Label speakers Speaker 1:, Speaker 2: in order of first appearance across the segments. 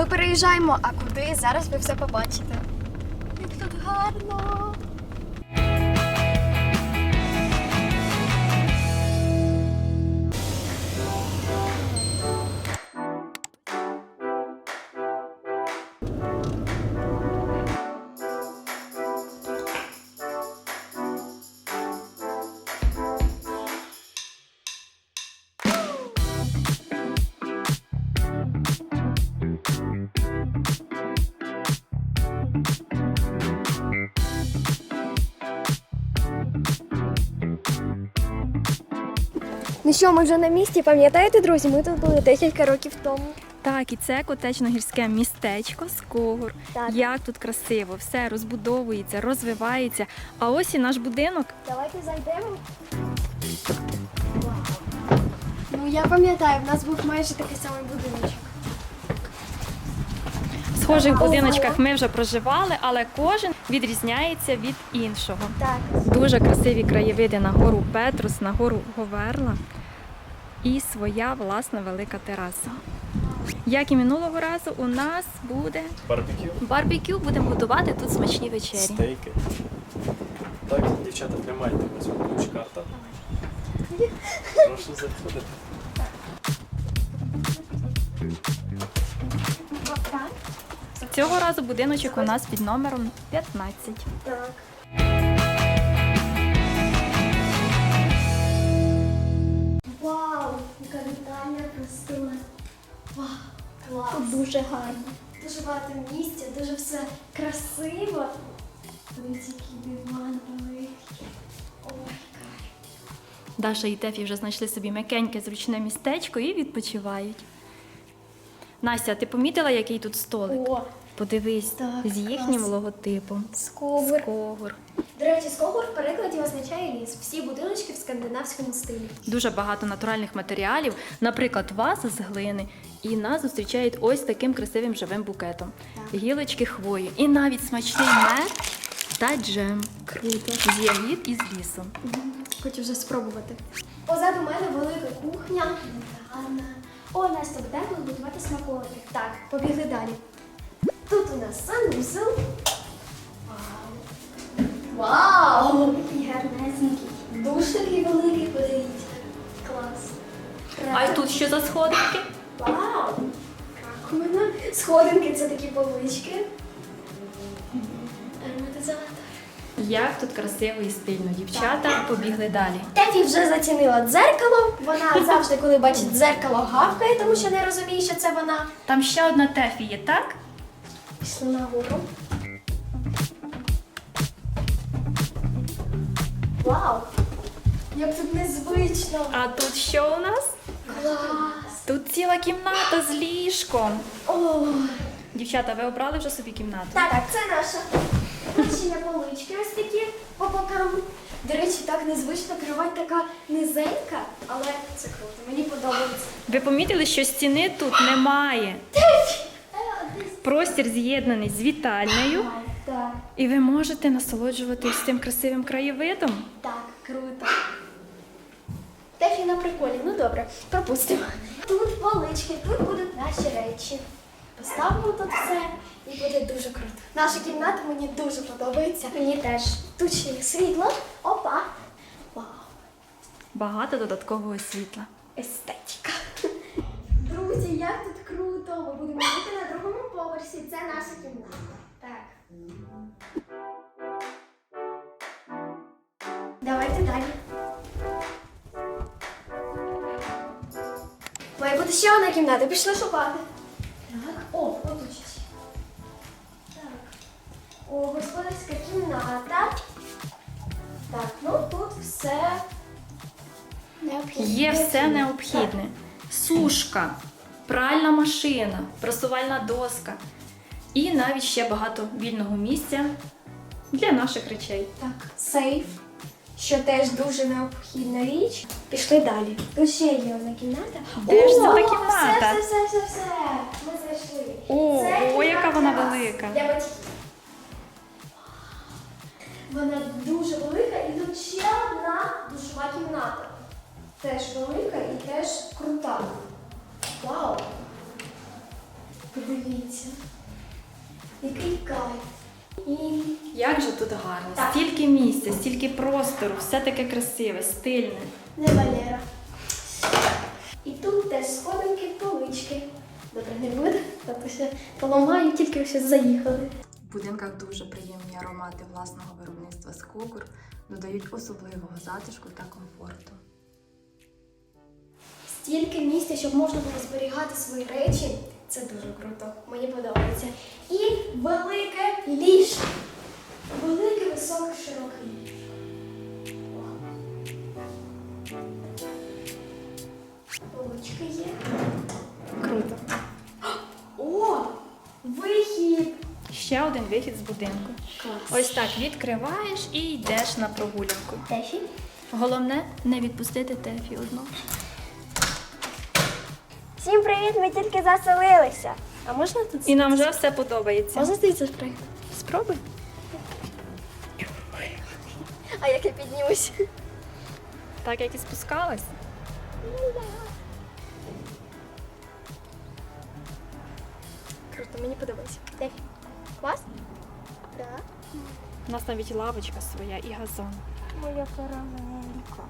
Speaker 1: ми переїжджаємо, а куди? Зараз ви все побачите. Як тут гарно! Ну що, ми вже на місці, пам'ятаєте, друзі? Ми тут були декілька років тому.
Speaker 2: Так, і це котечно-гірське містечко Скогур.
Speaker 1: Так.
Speaker 2: Як тут красиво, все розбудовується, розвивається. А ось і наш будинок.
Speaker 1: Давайте зайдемо. Ну, я пам'ятаю, в нас був майже такий самий будиночок.
Speaker 2: В схожих будиночках ми вже проживали, але кожен відрізняється від іншого.
Speaker 1: Так.
Speaker 2: Дуже красиві краєвиди на гору Петрус, на гору Говерла і своя власна велика тераса. Як і минулого разу, у нас буде барбекю. Будемо готувати тут смачні вечері.
Speaker 3: Стейки. Так, дівчата, тримайте, ось вам ключ-карта. Прошу заходити.
Speaker 2: Цього разу будиночок у нас під номером 15.
Speaker 1: Так. Вау, яка вітальня красива. Вау, клас. Тут дуже гарно. Дуже багато місця, дуже все красиво. Ось який диван великий. Ой, кайф.
Speaker 2: Даша і Тефі вже знайшли собі м'якеньке, зручне містечко і відпочивають. Настя, ти помітила, який тут столик?
Speaker 1: О,
Speaker 2: Подивись,
Speaker 1: так,
Speaker 2: з їхнім
Speaker 1: клас.
Speaker 2: логотипом.
Speaker 1: Скогур.
Speaker 2: Скогур.
Speaker 1: До речі, Скогур в перекладі означає ліс. Всі будиночки в скандинавському стилі.
Speaker 2: Дуже багато натуральних матеріалів, наприклад, ваза з глини. І нас зустрічають ось таким красивим живим букетом.
Speaker 1: Так.
Speaker 2: Гілочки хвої. І навіть смачний мед та джем.
Speaker 1: Круто.
Speaker 2: З ягід і з лісу.
Speaker 1: Хочу вже спробувати. Позаду мене велика кухня. Гарна. О, нас тут тепло готувати смаколики. Так, побігли далі. Тут у нас санузел. Вау! Вау! Який гарнесенький. Душ такий великий, подивіться. Клас.
Speaker 2: А й тут що за сходинки?
Speaker 1: Вау! Раковина. Сходинки це такі полички. Ароматизатор.
Speaker 2: Як тут красиво і стильно. Дівчата побігли далі.
Speaker 1: Тефі вже зацінила дзеркало. Вона завжди, коли бачить дзеркало, гавкає, тому що не розуміє, що це вона.
Speaker 2: Там ще одна Тефі є, так?
Speaker 1: Пішли нагору. Вау! Як тут незвично!
Speaker 2: А тут що у нас?
Speaker 1: Клас!
Speaker 2: Тут ціла кімната з ліжком.
Speaker 1: О,
Speaker 2: Дівчата, ви обрали вже собі кімнату?
Speaker 1: так, це наша. Тут ще є полички ось такі по бокам. До речі, так незвично, кровать така низенька, але це круто, мені подобається.
Speaker 2: Ви помітили, що стіни тут немає? Простір з'єднаний з вітальнею,
Speaker 1: Так,
Speaker 2: і ви можете насолоджуватись цим красивим краєвидом.
Speaker 1: так, круто. Тефі на приколі, ну добре, пропустимо. Тут полички, тут будуть наші речі. Поставимо тут все і буде дуже круто. Наша кімната мені дуже подобається. Мені теж. Тут ще є світло. Опа. Вау.
Speaker 2: Багато додаткового світла.
Speaker 1: Естетика. Друзі, як тут круто! Ми будемо жити на другому поверсі. Це наша кімната. Так. Давайте далі. Має бути ще одна кімната. Пішли шукати. Так. О, отут ще. Так. О, господарська кімната. Так, ну тут все необхідне.
Speaker 2: Є все необхідне. Сушка, пральна машина, прасувальна доска і навіть ще багато вільного місця для наших речей.
Speaker 1: Так, сейф, що теж дуже необхідна річ. Пішли далі. Тут ще є одна кімната.
Speaker 2: Де ж це та
Speaker 1: О,
Speaker 2: кімната?
Speaker 1: Все. Ми знайшли.
Speaker 2: О,
Speaker 1: Це
Speaker 2: о, яка вона
Speaker 1: кімната
Speaker 2: велика.
Speaker 1: Для батьків. Вона дуже велика і тут ще одна душова кімната. Теж велика і теж крута. Вау! Подивіться. Який кайф. І
Speaker 2: Як же тут гарно,
Speaker 1: Так.
Speaker 2: стільки місця, стільки простору, все таке красиве, стильне.
Speaker 1: не Валера. І тут теж сходинки, полички. Добре, не буде, тобто ще поламаю, тільки ще заїхали.
Speaker 2: В будинках дуже приємні аромати власного виробництва Скогур додають особливого затишку та комфорту.
Speaker 1: Стільки місця, щоб можна було зберігати свої речі. Це дуже круто. Мені подобається. І велике ліжко. Велике, високе, широке ліжко. Полички є.
Speaker 2: Круто.
Speaker 1: О! Вихід!
Speaker 2: Ще один вихід з будинку.
Speaker 1: Клас.
Speaker 2: Ось так відкриваєш і йдеш на прогулянку.
Speaker 1: Тефі?
Speaker 2: Головне не відпустити Тефі одну.
Speaker 1: Всім привіт, ми тільки заселилися. А можна тут?
Speaker 2: І нам вже все подобається.
Speaker 1: Можна звідси спригнути?
Speaker 2: Спробуй.
Speaker 1: А як я піднімусь?
Speaker 2: Так як і спускалась.
Speaker 1: Круто, мені подобається. Тефі. Клас? Так.
Speaker 2: У нас навіть лавочка своя і газон.
Speaker 1: Моя карамелька.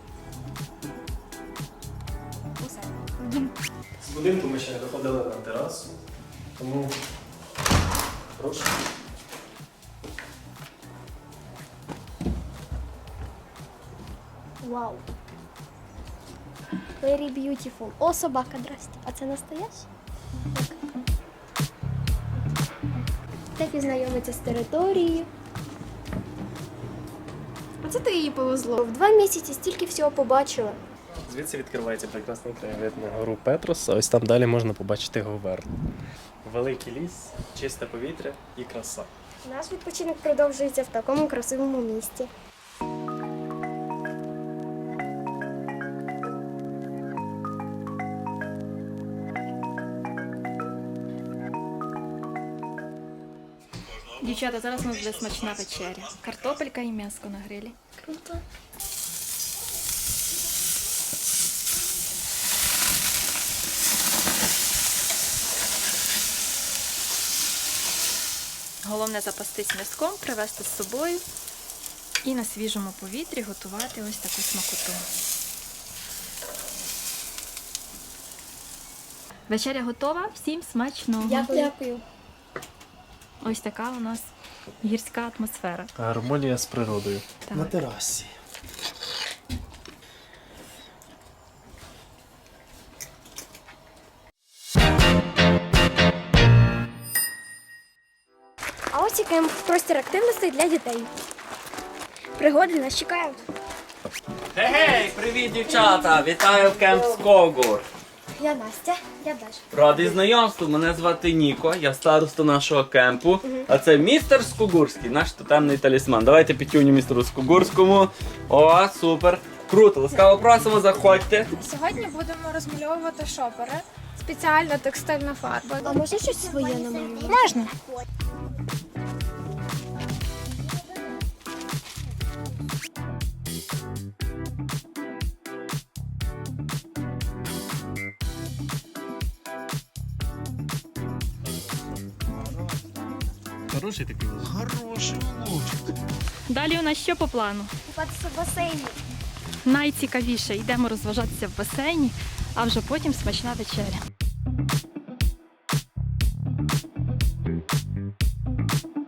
Speaker 1: Усе.
Speaker 3: З будинку ми ще не виходили на терасу, тому прошу.
Speaker 1: Вау. Very beautiful. О, собака, здрасте. А це настояща? Тефі знайомиться з територією. Оце ти її повезло. В 2 місяці стільки всього побачила.
Speaker 3: Звідси відкривається прекрасний краєвид на гору Петрос, а ось там далі можна побачити Говерлу. Великий ліс, чисте повітря і краса.
Speaker 1: Наш відпочинок продовжується в такому красивому місті.
Speaker 2: Дівчата, зараз у нас буде смачна вечеря. Картопелька і м'яско на грилі.
Speaker 1: Круто.
Speaker 2: Головне запастись м'язком, привезти з собою і на свіжому повітрі готувати ось таку смакоту. Вечеря готова, всім смачного.
Speaker 1: Дякую.
Speaker 2: Ось така у нас гірська атмосфера.
Speaker 3: Гармонія з природою.
Speaker 2: Так.
Speaker 3: На терасі.
Speaker 1: А ось і кемп, простір активностей для дітей. Пригоди нас чекають.
Speaker 4: Гей, привіт, дівчата! Вітаю в кемп Скогур.
Speaker 1: Я Настя, я Даша.
Speaker 4: Радий знайомству, мене звати Ніко, я староста нашого кемпу. А це містер Скогурський, наш тотемний талісман. Давайте пітюню містеру Скогурському. О, супер! Круто, ласкаво просимо, заходьте.
Speaker 5: Сьогодні будемо розмальовувати шопери. Спеціальна текстильна фарба.
Speaker 1: А може щось своє намалювати?
Speaker 5: Можна.
Speaker 3: Хороший такий лук. Хороший лучик.
Speaker 2: Далі у нас що по плану?
Speaker 1: Купатися в басейні.
Speaker 2: Найцікавіше, йдемо розважатися в басейні, а вже потім смачна вечеря.